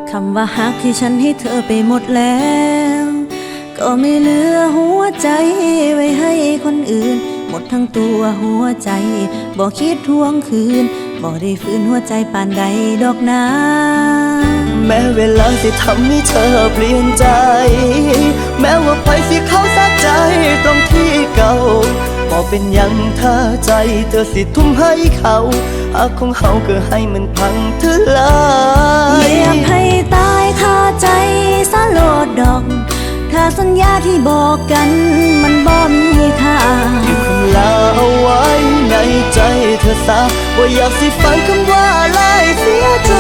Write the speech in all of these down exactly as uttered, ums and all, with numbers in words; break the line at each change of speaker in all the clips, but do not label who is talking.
คำว่าฮักที่ฉันให้เธอไปหมดแล้วก็ไม่เหลือหัวใจไว้ให้คนอื่นหมดทั้งตัวหัวใจบ่คิดทวงคืนบ่ได้ฝืนหัวใจปานใดดอกนา
แม้เวลาสิทำให้เธอเปลี่ยนใจแม้ว่าไปสิเขาสักใจตรงที่เก่าบ่เป็นยังถ้าใจเธอสิทุ่มให้เขาหากของเขาก็ให้มันพังทลาย
อยากให้ตายคาใจสะโลดดอกถ้าสัญญาที่บอกกันมันบ่มีค่า
เก็บคำลาเอาไว้ในใจเธอซะว่าอยากสิฟังคำว่าลายเสียใจ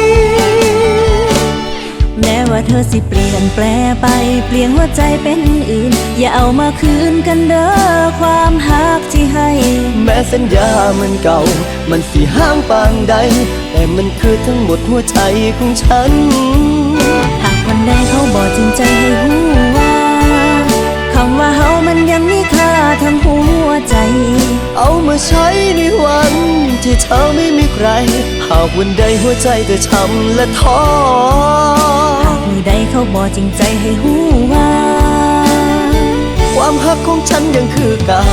แม้ว่าเธอสิเปลี่ยนแปลไปเปลี่ยนหัวใจเป็นอื่นอย่าเอามาคืนกันเด้อความฮักที่ให้
แม้สัญญามันเก่ามันสิห้างปางใดแต่มันคือทั้งหมดหัวใจของฉัน
หากวันใดเขาบอกจริงใจให้รู้ว่าคำว่าเฮามันยังมีค่าทั้งหัวใจ
เอามาใช้ในวันที่เธอไม่มีใครหากวันใดหัวใจเธอช้ำและท้อ
หากมือใดเขาบอกจริงใจให้รู้ว่า
ความฮักของฉันยังคือเก่า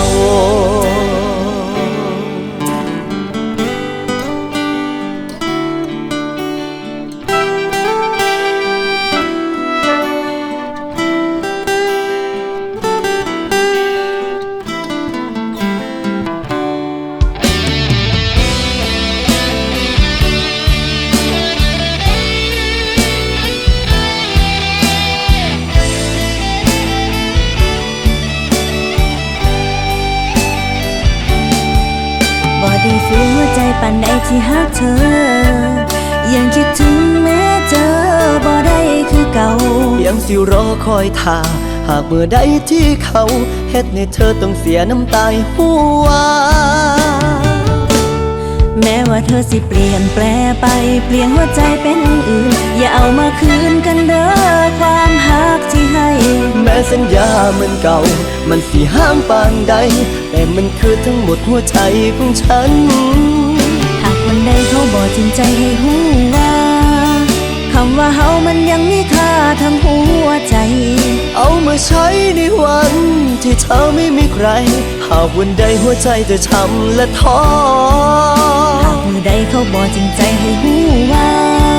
ได้ฝืนหัวใจปานใดที่ฮักเธอยังคิดถึงแม้เจอบ่ได้คือเก่า
ยังสิรอคอยท่าหากเมื่อใดที่เขาเฮ็ดให้เธอต้องเสียน้ำตาหัว
แม้ว่าเธอสิเปลี่ยนแปลไปเปลี่ยนหัวใจเป็นอื่นอย่าเอามาคืนกันเด้อความฮักที่ให้
แม้สัญญามันเก่ามันสิห้างปานใดแต่มันคือทั้งหมดหัวใจของฉัน
หากวันใดเขาบอกจริงใจให้รู้ว่าคำว่าเฮามันยังมีค่าทั้งหัวใจ
เอามาใช้ในวันที่เธอไม่มีใครหากวันใดหัวใจเธอช้ำและท้อ
หากมือใดเขาบอกจริงใจให้รู้ว่า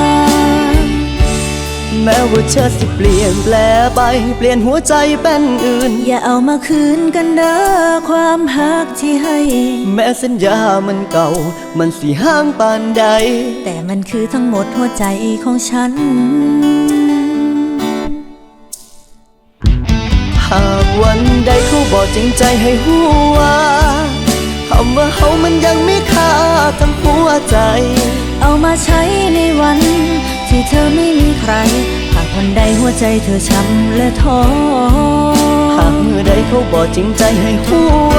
แม้ว่าเธอสิเปลี่ยนแปลไปเปลี่ยนหัวใจเป็นอื่น
อย่าเอามาคืนกันเด้อความฮักที่ให้
แม้สัญญามันเก่ามันสิห้างปานใด
แต่มันคือทั้งหมดหัวใจของฉัน
หากวันใดเขาบอกจริงใจให้หัวคำว่าเขามันยังมีค่าทั้งหัวใจ
เอามาใช้ในวันที่เธอไม่มีใครหากวันใดหัวใจเธอช้ำและท้อ
หากเมื่อใดเขาบอกจริงใจให้หัว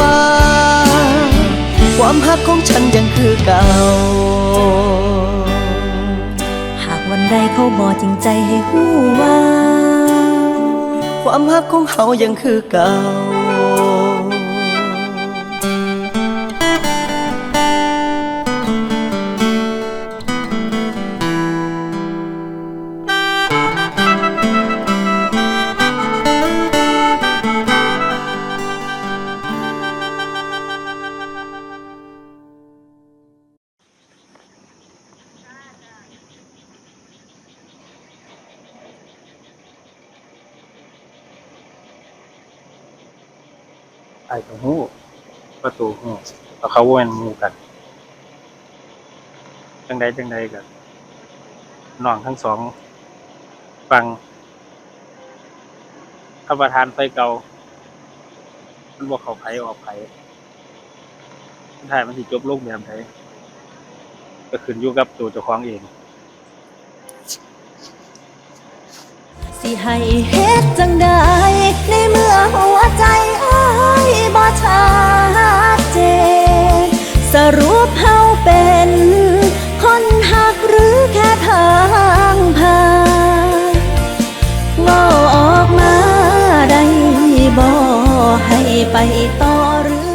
ความฮักของฉันยังคือเก่า
หากวันใดเขาบอกจริงใจให้หัว
ความฮักของเขายังคือเก่า
ไอ้ตรงหูประตูหูแล้วเขาวนหมู่กันจังใดจังใดกันน้องทั้งสองฟังข้าประทานไฟเก่ามันบอกเขาไผออกไผสุดท้ายมันสิจบลงแบบไหนก็ขึ้นอยู่กับตัวเจ้าของเอง
สิให้เฮ็ดจังใดในเมื่อหัวใจอ้ายบ่ชัดเจนสรุปเฮาเป็นคนหักหรือแค่ทางผ่านเว้าออกมาได้บ่ให้ไปต่อหรือ